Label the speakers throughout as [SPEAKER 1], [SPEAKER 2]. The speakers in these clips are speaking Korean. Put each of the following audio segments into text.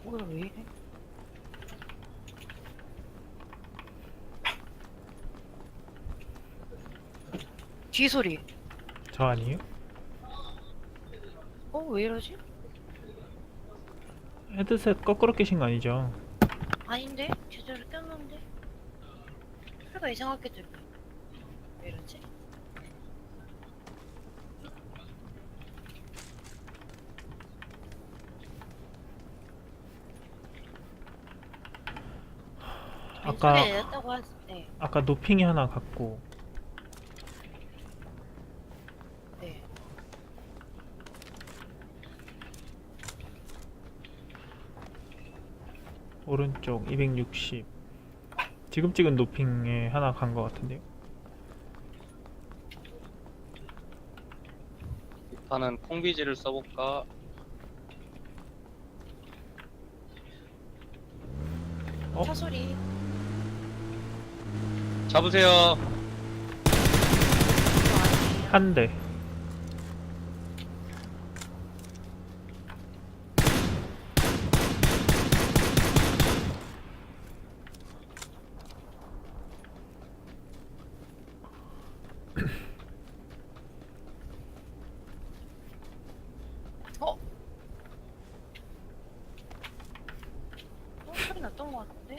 [SPEAKER 1] 뭐야 왜 이래? 뒤 소리.
[SPEAKER 2] 저 아니에요?
[SPEAKER 1] 왜 이러지?
[SPEAKER 2] 헤드셋 거꾸로 끼신 거 아니죠?
[SPEAKER 1] 아닌데? 제대로 꼈는데? 소리가 이상하게 들려. 왜 이러지?
[SPEAKER 2] 아까
[SPEAKER 1] 소리 내렸다고 하지. 네.
[SPEAKER 2] 아까 노핑이 하나 갔고
[SPEAKER 1] 네.
[SPEAKER 2] 오른쪽 260 지금 찍은 노핑에 하나 간 거 같은데요?
[SPEAKER 3] 일단은 콩비지를 써볼까?
[SPEAKER 1] 차 소리.
[SPEAKER 3] 잡으세요.
[SPEAKER 1] 이거 아니에요.
[SPEAKER 2] 한 대.
[SPEAKER 1] 어? 소리 났던 것 같은데?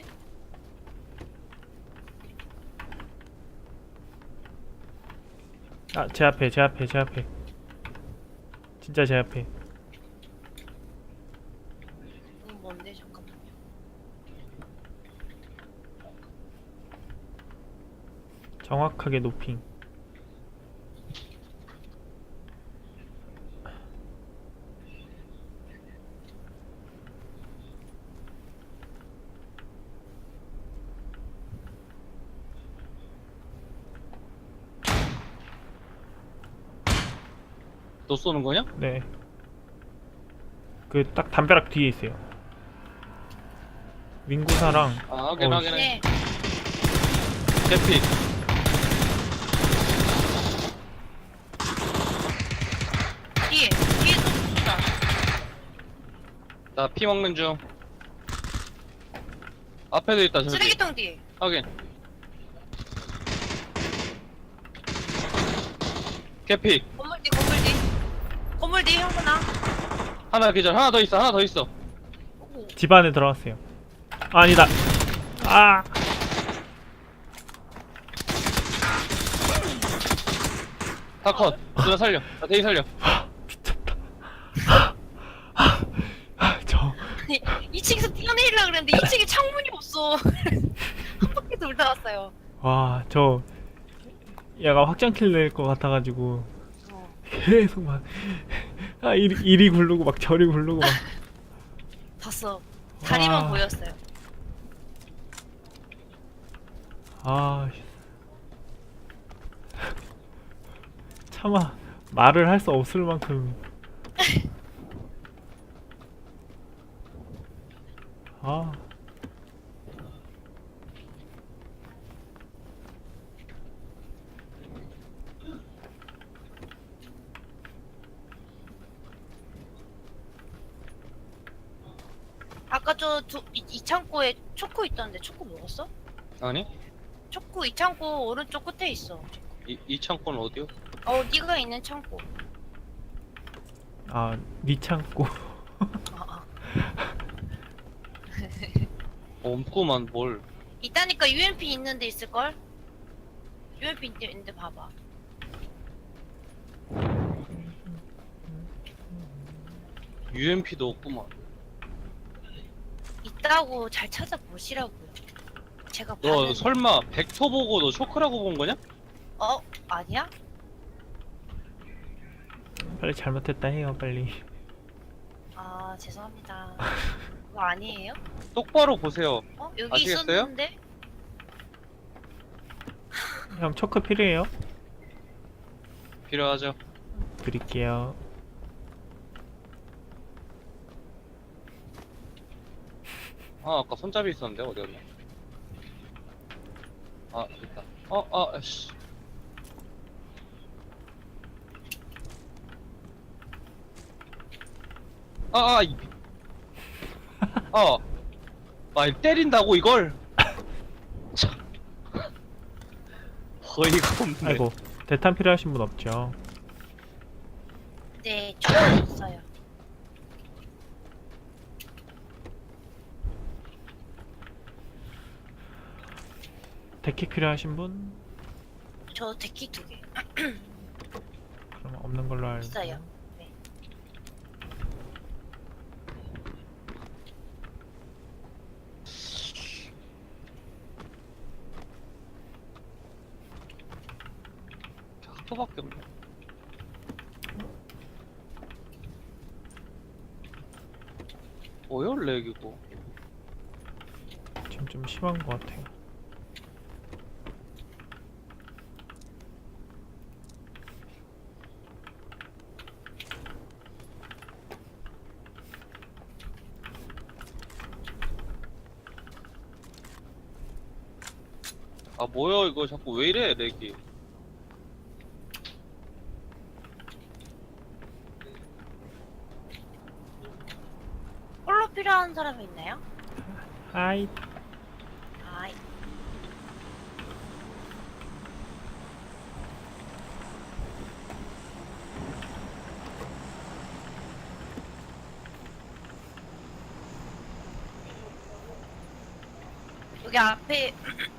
[SPEAKER 2] 아, 제 앞에, 제 앞에, 제 앞에. 진짜 제 앞에.
[SPEAKER 1] 뭔데? 잠깐만요.
[SPEAKER 2] 정확하게 노핑.
[SPEAKER 3] 너 쏘는 거냐?
[SPEAKER 2] 네. 그 딱 담벼락 뒤에 있어요. 민구사랑
[SPEAKER 3] 아, 확인, 확인.
[SPEAKER 1] 네.
[SPEAKER 3] 개피.
[SPEAKER 1] 뒤에 또 쏜다.
[SPEAKER 3] 나 피 먹는 중. 앞에도 있다, 저기.
[SPEAKER 1] 쓰레기통 뒤에.
[SPEAKER 3] 확인. 개피.
[SPEAKER 1] 건물 뒤, 건물 뒤. 건물 뒤, 형구나.
[SPEAKER 3] 하나 기절. 하나 더 있어, 하나 더 있어.
[SPEAKER 1] 오고.
[SPEAKER 2] 집 안에 들어갔어요. 아, 아니다. 아,
[SPEAKER 3] 다 컷. 누나 살려. 나 대기 살려.
[SPEAKER 2] 저
[SPEAKER 1] 아니, 2층에서 뛰어내리려고 그랬는데 2층에 창문이 없어. 한 바퀴 돌다 왔어요.
[SPEAKER 2] 와, 저 얘가 확장킬 낼 것 같아가지고
[SPEAKER 1] 어.
[SPEAKER 2] 계속 막 이리 굴르고 막 저리 굴르고 막.
[SPEAKER 1] 봤어. 다리만
[SPEAKER 2] 와.
[SPEAKER 1] 보였어요.
[SPEAKER 2] 아, 차마 말을 할 수 없을 만큼. 아,
[SPEAKER 1] 아까 이 창고에 초코 있던데 초코 먹었어?
[SPEAKER 3] 아니?
[SPEAKER 1] 초코 이 창고 오른쪽 끝에 있어.
[SPEAKER 3] 이 창고는 어디요?
[SPEAKER 1] 네가 있는 창고.
[SPEAKER 2] 아, 니 창고.
[SPEAKER 1] 아.
[SPEAKER 3] 없구만, 뭘.
[SPEAKER 1] 있다니까 UMP 있는 데 있을걸? UMP 있는데 봐봐.
[SPEAKER 3] UMP도 없구만.
[SPEAKER 1] 있다고 잘 찾아보시라고요. 제가
[SPEAKER 3] 너
[SPEAKER 1] 봤는데.
[SPEAKER 3] 설마 벡터 보고 너 쇼크라고 본 거냐?
[SPEAKER 1] 아니야?
[SPEAKER 2] 빨리 잘못했다 해요, 빨리.
[SPEAKER 1] 아 죄송합니다. 그거 아니에요?
[SPEAKER 3] 똑바로 보세요.
[SPEAKER 1] 여기
[SPEAKER 3] 아시겠어요?
[SPEAKER 1] 있었는데?
[SPEAKER 2] 형 초크 필요해요?
[SPEAKER 3] 필요하죠.
[SPEAKER 2] 드릴게요.
[SPEAKER 3] 아, 아까 손잡이 있었는데 어디 갔냐? 아, 있다. 씨. 이 말 때린다고 이걸? 참. 어이가 없네.
[SPEAKER 2] 아이고, 대탄 필요하신 분 없죠?
[SPEAKER 1] 네, 저는 있어요.
[SPEAKER 2] 데킥 필요하신 분?
[SPEAKER 1] 저 데키 2개
[SPEAKER 2] 그럼 없는 걸로 알고.
[SPEAKER 1] 있어요. 네.
[SPEAKER 3] 하프밖에 없네. 뭐야 렉이고.
[SPEAKER 2] 지금 좀 심한 것 같아요.
[SPEAKER 3] 아 뭐야 이거 자꾸 왜 이래 렉이.
[SPEAKER 1] 홀로 필요한 사람이 있나요?
[SPEAKER 2] 아이,
[SPEAKER 1] 아이. 여기 앞에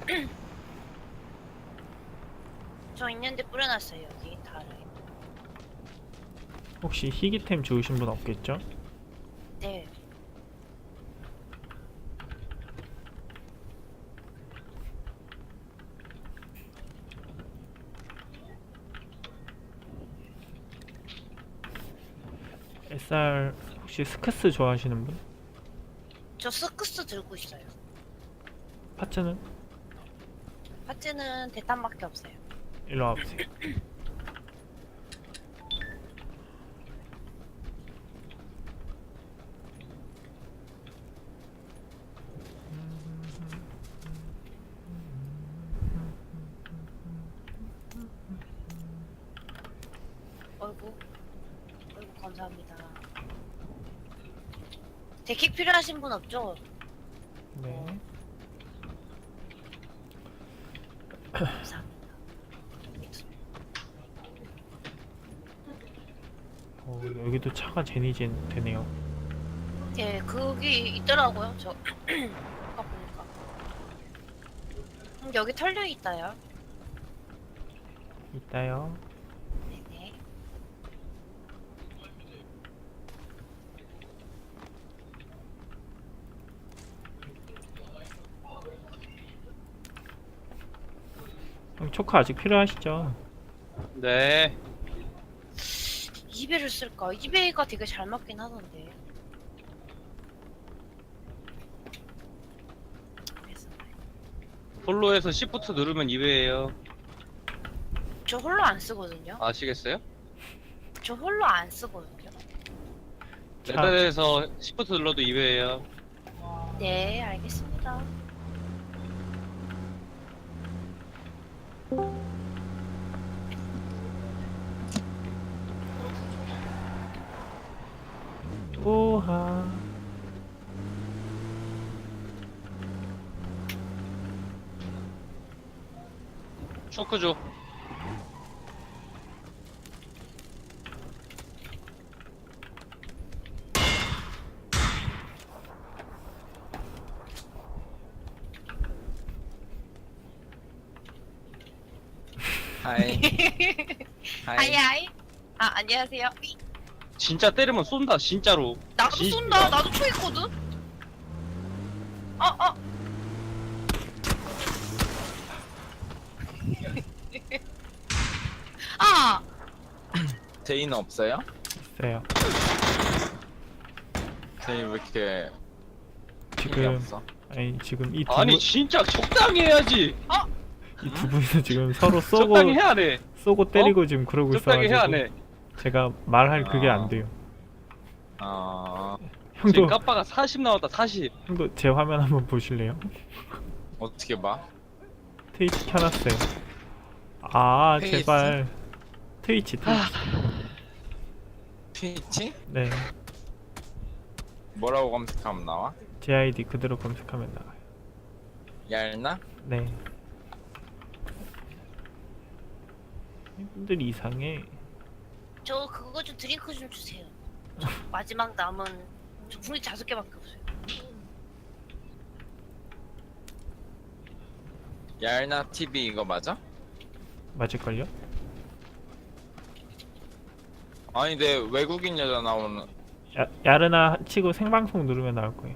[SPEAKER 1] 저 있는데 뿌려놨어요. 여기 다를.
[SPEAKER 2] 혹시 희귀템 주우신 분 없겠죠?
[SPEAKER 1] 네.
[SPEAKER 2] SR 혹시 스크스 좋아하시는 분?
[SPEAKER 1] 저 스크스 들고 있어요.
[SPEAKER 2] 파츠는?
[SPEAKER 1] 파츠는 대탄밖에 없어요.
[SPEAKER 2] 일로 와보세요.
[SPEAKER 1] 어이구. 어이구, 감사합니다. 데킥 필요하신 분 없죠?
[SPEAKER 2] 네.
[SPEAKER 1] 감사합니다.
[SPEAKER 2] 여기도 차가 제니젠 되네요.
[SPEAKER 1] 예, 거기 있더라고요. 저 아까 보니까. 여기 털려 있다요.
[SPEAKER 2] 있다요.
[SPEAKER 1] 네네.
[SPEAKER 2] 형 초코 아직 필요하시죠?
[SPEAKER 3] 네.
[SPEAKER 1] 이베를 쓸까? 이베가 되게 잘 맞긴 하던데. 그래서
[SPEAKER 3] 홀로에서 시프트 누르면 2배예요.
[SPEAKER 1] 저 홀로 안 쓰거든요.
[SPEAKER 3] 아시겠어요?
[SPEAKER 1] 저 홀로 안 쓰거든요.
[SPEAKER 3] 레벨에서 시프트 눌러도 2배예요.
[SPEAKER 1] 네, 알겠습니다.
[SPEAKER 2] 우하.
[SPEAKER 3] 초크 줘.
[SPEAKER 4] 하이. 하이.
[SPEAKER 1] 하이하이. 아, 안녕하세요.
[SPEAKER 3] 진짜 때리면 쏜다 진짜로.
[SPEAKER 1] 나도
[SPEAKER 3] 진-
[SPEAKER 1] 쏜다. 나도 초 있거든. 어. 아,
[SPEAKER 4] 제이는 없어요?
[SPEAKER 2] 있어요.
[SPEAKER 4] 제이 왜 이렇게 힘이
[SPEAKER 2] 지금
[SPEAKER 4] 없어?
[SPEAKER 2] 아니 지금 이
[SPEAKER 3] 아니 진짜 적당히 해야지.
[SPEAKER 2] 두 분이서 지금 서로 쏘고
[SPEAKER 3] 적당히 해야 돼.
[SPEAKER 2] 쏘고 때리고 지금 그러고
[SPEAKER 3] 적당히 해야
[SPEAKER 2] 있어가지고
[SPEAKER 3] 돼.
[SPEAKER 2] 제가 말할 그게
[SPEAKER 4] 아.
[SPEAKER 2] 안 돼요.
[SPEAKER 3] 지금
[SPEAKER 2] 형도
[SPEAKER 3] 까빠가 40 나왔다 40.
[SPEAKER 2] 형도 제 화면 한번 보실래요?
[SPEAKER 4] 어떻게 봐?
[SPEAKER 2] 트위치 켜놨어요. 아
[SPEAKER 4] 페이스?
[SPEAKER 2] 제발 트위치.
[SPEAKER 4] 트위치?
[SPEAKER 2] 네.
[SPEAKER 4] 뭐라고 검색하면 나와?
[SPEAKER 2] 제 아이디 그대로 검색하면 나와요.
[SPEAKER 4] 얄나?
[SPEAKER 2] 네. 이분들이 이상해.
[SPEAKER 1] 저 그거 좀 드링크 좀 주세요. 저 마지막 남은 저 분이 5개밖에 없어요.
[SPEAKER 4] 얄나 TV 이거 맞아?
[SPEAKER 2] 맞을걸요?
[SPEAKER 4] 아니 내 외국인 여자 나오는
[SPEAKER 2] 야르나 치고 생방송 누르면 나올 거예요.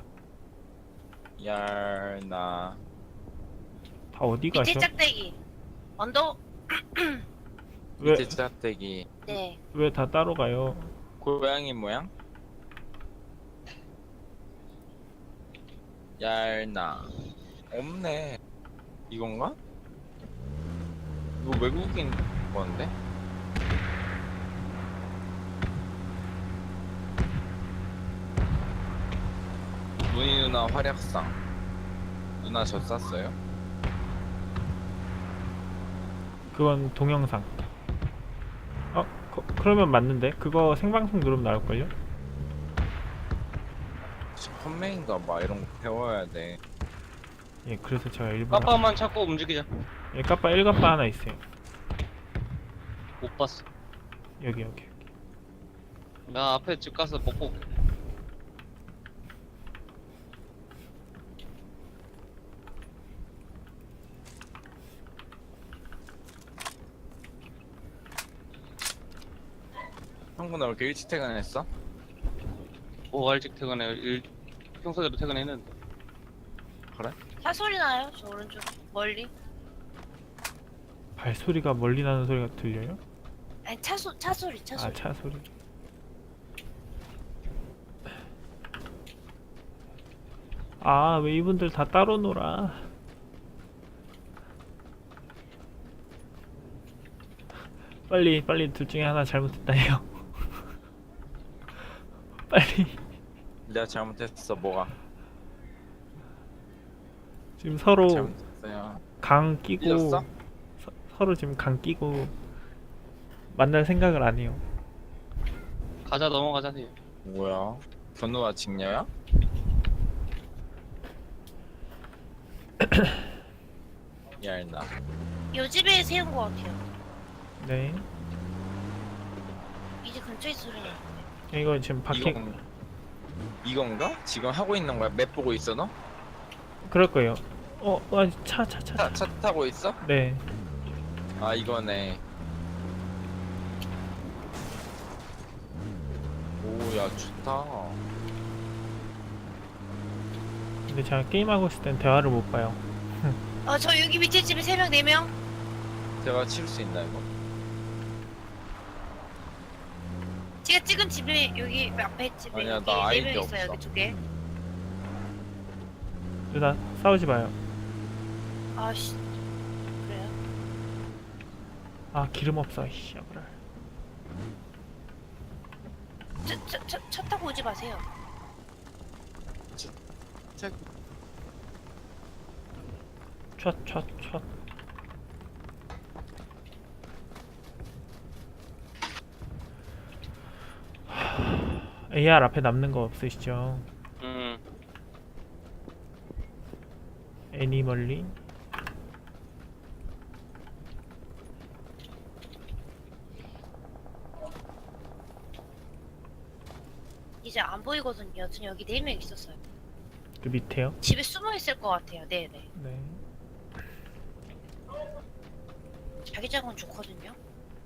[SPEAKER 4] 얄나
[SPEAKER 2] 다 어디 가셔?
[SPEAKER 1] 밑에 짝대기. 언더.
[SPEAKER 4] 밑에 짝대기
[SPEAKER 1] 네.
[SPEAKER 2] 왜 다 따로 가요?
[SPEAKER 4] 고양이 모양? 얄나 없네. 이건가? 이거 외국인 건데? 문희 누나 활약상 누나 저 쌌어요?
[SPEAKER 2] 그건 동영상. 그러면 맞는데? 그거 생방송 누르면 나올걸요?
[SPEAKER 4] 펀메인가 막 이런 거 배워야 돼.
[SPEAKER 2] 예, 그래서 제가 일부러
[SPEAKER 3] 까빠만 찾고 움직이자.
[SPEAKER 2] 예, 까빠 1까빠 하나 있어요.
[SPEAKER 3] 못 봤어.
[SPEAKER 2] 여기.
[SPEAKER 3] 나 앞에 집 가서 먹고 올게.
[SPEAKER 4] 형구 나 왜 이렇게 일찍 퇴근했어?
[SPEAKER 3] 뭐 일찍 퇴근해. 평소대로 퇴근했는데.
[SPEAKER 4] 그래?
[SPEAKER 1] 사소리 나요? 저 오른쪽 멀리.
[SPEAKER 2] 발소리가 멀리 나는 소리가 들려요?
[SPEAKER 1] 아니 차소리.
[SPEAKER 2] 아, 차 소리. 아, 왜 이분들 다 따로 놀아? 빨리 둘 중에 하나 잘못했다 해요. 빨리.
[SPEAKER 4] 내가 잘못했어. 뭐가?
[SPEAKER 2] 지금 서로
[SPEAKER 4] 잘못했어요.
[SPEAKER 2] 강 끼고
[SPEAKER 4] 삐졌어?
[SPEAKER 2] 서로 지금 강 끼고 만날 생각을 안 해요.
[SPEAKER 3] 가자 넘어가자. 네.
[SPEAKER 4] 뭐야? 견우와 직녀야? 얄나
[SPEAKER 1] 요 집에 세운 것 같아요.
[SPEAKER 2] 네.
[SPEAKER 1] 이제 근처에 소리 나.
[SPEAKER 2] 이거 지금 박힌
[SPEAKER 4] 이건가? 지금 하고 있는 거야? 맵 보고 있어 너?
[SPEAKER 2] 그럴 거예요. 차.
[SPEAKER 4] 차 타고 있어?
[SPEAKER 2] 네.
[SPEAKER 4] 아 이거네. 오야 좋다.
[SPEAKER 2] 근데 제가 게임하고 있을 땐 대화를 못 봐요.
[SPEAKER 1] 저 여기 밑에 집에 3명 4명.
[SPEAKER 4] 제가 칠 수 있나 이거?
[SPEAKER 1] 제가 찍은 집에 여기 앞에 집에
[SPEAKER 4] 아니야,
[SPEAKER 1] 여기
[SPEAKER 4] 나
[SPEAKER 1] 4명
[SPEAKER 4] 아이디
[SPEAKER 1] 있어요.
[SPEAKER 4] 없어.
[SPEAKER 1] 여기 2개.
[SPEAKER 2] 누나 싸우지 마요.
[SPEAKER 1] 아씨. 그래요?
[SPEAKER 2] 아, 기름 없어. 씨, 아브랄.
[SPEAKER 1] 차 타고 오지 마세요.
[SPEAKER 4] 책
[SPEAKER 2] 촥. AR 앞에 남는 거 없으시죠? 애니멀리?
[SPEAKER 1] 이제 안 보이거든요. 여튼 여기 4명 있었어요.
[SPEAKER 2] 그 밑에요?
[SPEAKER 1] 집에 숨어 있을 것 같아요. 네네.
[SPEAKER 2] 네.
[SPEAKER 1] 자기장은 좋거든요.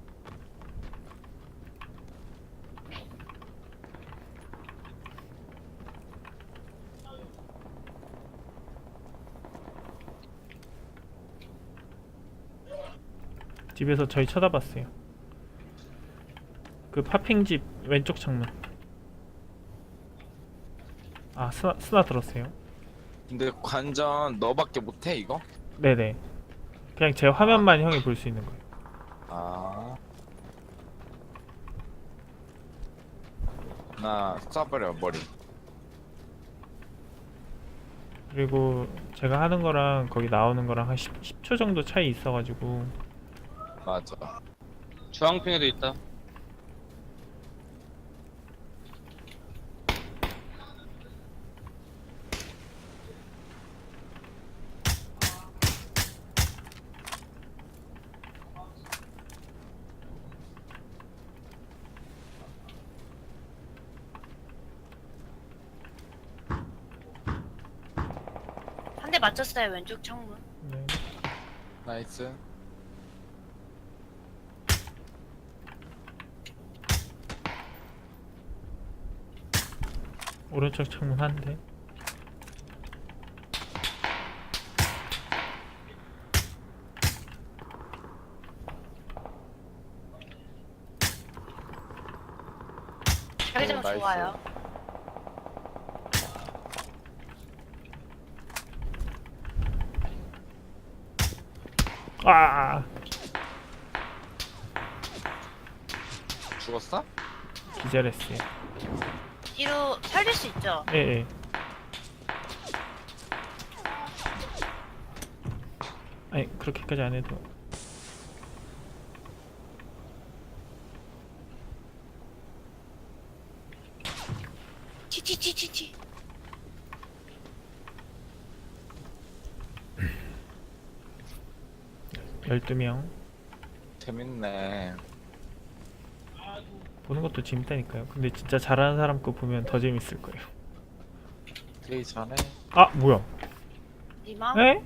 [SPEAKER 2] 집에서 저희 쳐다봤어요. 그 파핑집 왼쪽 창문. 아, 스나 들었어요.
[SPEAKER 4] 근데 관전 너밖에 못해 이거?
[SPEAKER 2] 네네. 그냥 제 화면만 형이 볼 수 있는 거예요.
[SPEAKER 4] 아. 나 쏴버려 머리.
[SPEAKER 2] 그리고 제가 하는 거랑 거기 나오는 거랑 한 10초 정도 차이 있어가지고
[SPEAKER 4] 맞아.
[SPEAKER 3] 주황핑에도 있다.
[SPEAKER 1] 대 맞췄어요 왼쪽 창문.
[SPEAKER 2] 네.
[SPEAKER 4] 나이스.
[SPEAKER 2] 오른쪽 창문 한 대.
[SPEAKER 1] 자기장
[SPEAKER 4] 나이스.
[SPEAKER 1] 좋아요.
[SPEAKER 2] 아,
[SPEAKER 4] 죽었어?
[SPEAKER 2] 기절했어요.
[SPEAKER 1] 뒤로 살릴 수 있죠?
[SPEAKER 2] 예, 예. 아니, 그렇게까지 안 해도.
[SPEAKER 1] 치치치치치.
[SPEAKER 2] 12명.
[SPEAKER 4] 재밌네.
[SPEAKER 2] 보는 것도 재밌다니까요. 근데 진짜 잘하는 사람 거 보면 더 재밌을 거예요.
[SPEAKER 4] 되게 잘해.
[SPEAKER 2] 아, 뭐야?
[SPEAKER 1] 니마?
[SPEAKER 2] 에?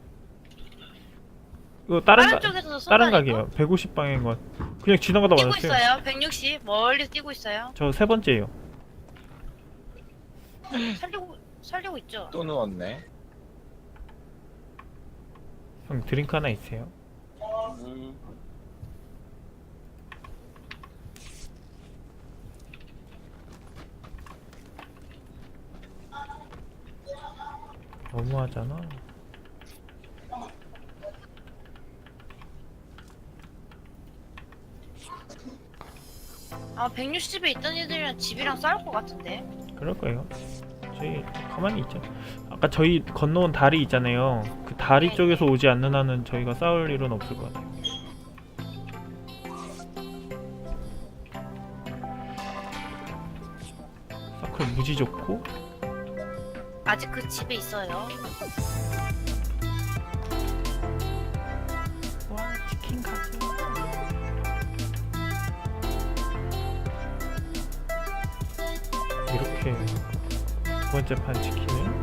[SPEAKER 2] 이거 다른
[SPEAKER 1] 다른
[SPEAKER 2] 가,
[SPEAKER 1] 쪽에서
[SPEAKER 2] 다른
[SPEAKER 1] 쏜다니까?
[SPEAKER 2] 각이에요. 150방향인 것. 그냥 지나가다
[SPEAKER 1] 뛰고
[SPEAKER 2] 맞았어요.
[SPEAKER 1] 있어요. 160 멀리 뛰고 있어요.
[SPEAKER 2] 저 세 번째예요.
[SPEAKER 1] 살리고 있죠.
[SPEAKER 4] 또 누웠네.
[SPEAKER 2] 형 드링크 하나 있어요? 너무하잖아.
[SPEAKER 1] 아 160에 있던 애들이랑 집이랑 싸울 것 같은데.
[SPEAKER 2] 그럴 거예요. 저희 가만히 있죠. 아까 저희 건너온 다리 있잖아요. 그 다리
[SPEAKER 1] 네.
[SPEAKER 2] 쪽에서 오지 않는 한은 저희가 싸울 일은 없을 것 같아요. 서클 무지 좋고.
[SPEAKER 1] 아직 그 집에 있어요.
[SPEAKER 2] 와, 치킨 가자. 이렇게 두 번째 판 치킨을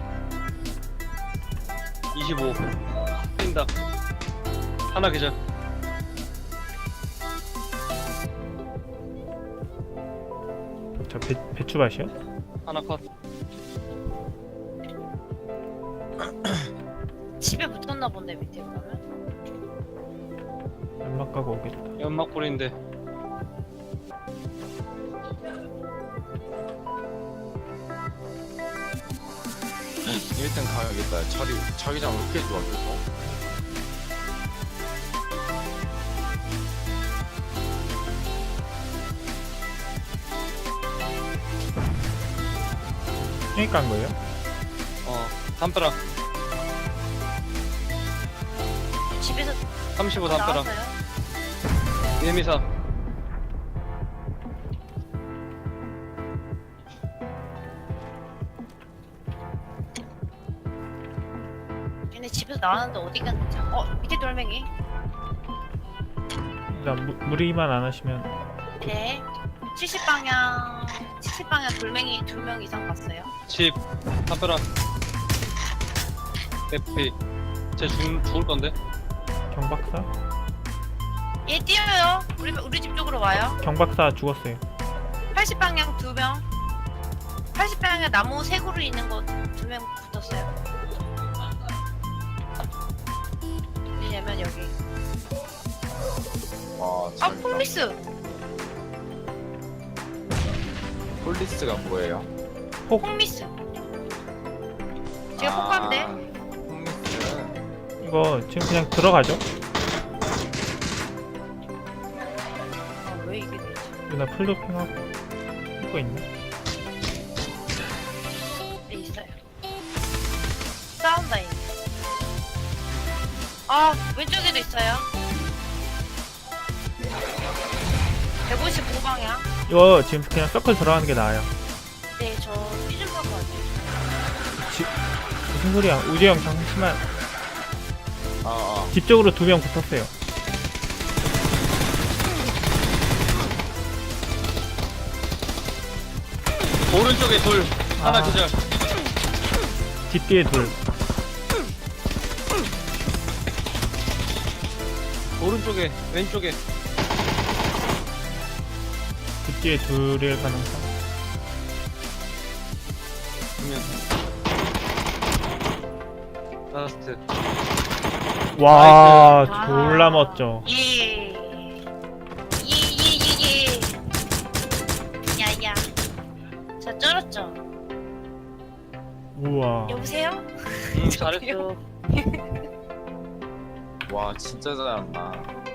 [SPEAKER 3] 25 뛴다. 하나 계절.
[SPEAKER 2] 저 배추밭이요?
[SPEAKER 3] 하나 컷.
[SPEAKER 1] 집에 붙었나 본데 밑에 보면.
[SPEAKER 2] 연막 가고 오겠다.
[SPEAKER 3] 연막 뿌리인데.
[SPEAKER 4] 일등 가야겠다. 자기장 왜 이렇게 좋아 계속?
[SPEAKER 2] 형이 깐 거예요?
[SPEAKER 3] 담벼락.
[SPEAKER 1] 집에서
[SPEAKER 3] 35 담벼락.
[SPEAKER 1] 나왔어요.
[SPEAKER 3] 예미사.
[SPEAKER 1] 걔네 집에서 나왔는데 어디 갔는지. 밑에 돌멩이.
[SPEAKER 2] 일단 무리만 안 하시면.
[SPEAKER 1] 네. 70방향 돌멩이 2명 이상 봤어요.
[SPEAKER 3] 집. 담벼락. FP. 쟤 죽을 건데.
[SPEAKER 2] 경박사?
[SPEAKER 1] 얘 뛰어요. 우리 집 쪽으로 와요.
[SPEAKER 2] 경박사 죽었어요.
[SPEAKER 1] 80방향 2명. 80방향 나무 세 그루 있는 거 2명 붙었어요. 왜냐면 여기.
[SPEAKER 4] 와,
[SPEAKER 1] 아
[SPEAKER 4] 자기장.
[SPEAKER 1] 폴리스.
[SPEAKER 4] 폴리스가 뭐예요?
[SPEAKER 1] 홈미스. 제가 폭감돼.
[SPEAKER 4] 홈리스.
[SPEAKER 2] 이거 지금 그냥 들어가죠?
[SPEAKER 1] 왜 이게 되지?
[SPEAKER 2] 누나 풀도핑하고 이거 있네.
[SPEAKER 1] 네 있어요. 싸운다 얘. 아 왼쪽에도 있어요. 155방향.
[SPEAKER 2] 이거 지금 그냥 서클 들어가는 게 나아요.
[SPEAKER 1] 네, 저 삐좀 하고 왔어요.
[SPEAKER 2] 무슨 소리야? 우재 형 잠시만. 집 쪽으로 2명 붙었어요.
[SPEAKER 3] 오른쪽에 둘. 하나
[SPEAKER 2] 아.
[SPEAKER 3] 계절.
[SPEAKER 2] 집 뒤에 둘.
[SPEAKER 3] 오른쪽에 왼쪽에.
[SPEAKER 2] 그 뒤에 둘일 가능성.
[SPEAKER 3] 그러면 라스트.
[SPEAKER 2] 와
[SPEAKER 1] 아.
[SPEAKER 2] 졸라 멋져.
[SPEAKER 1] 예. 야야. 자 쩔었죠.
[SPEAKER 2] 우와.
[SPEAKER 1] 여보세요?
[SPEAKER 3] 잘했어.
[SPEAKER 4] 와 진짜 잘한다.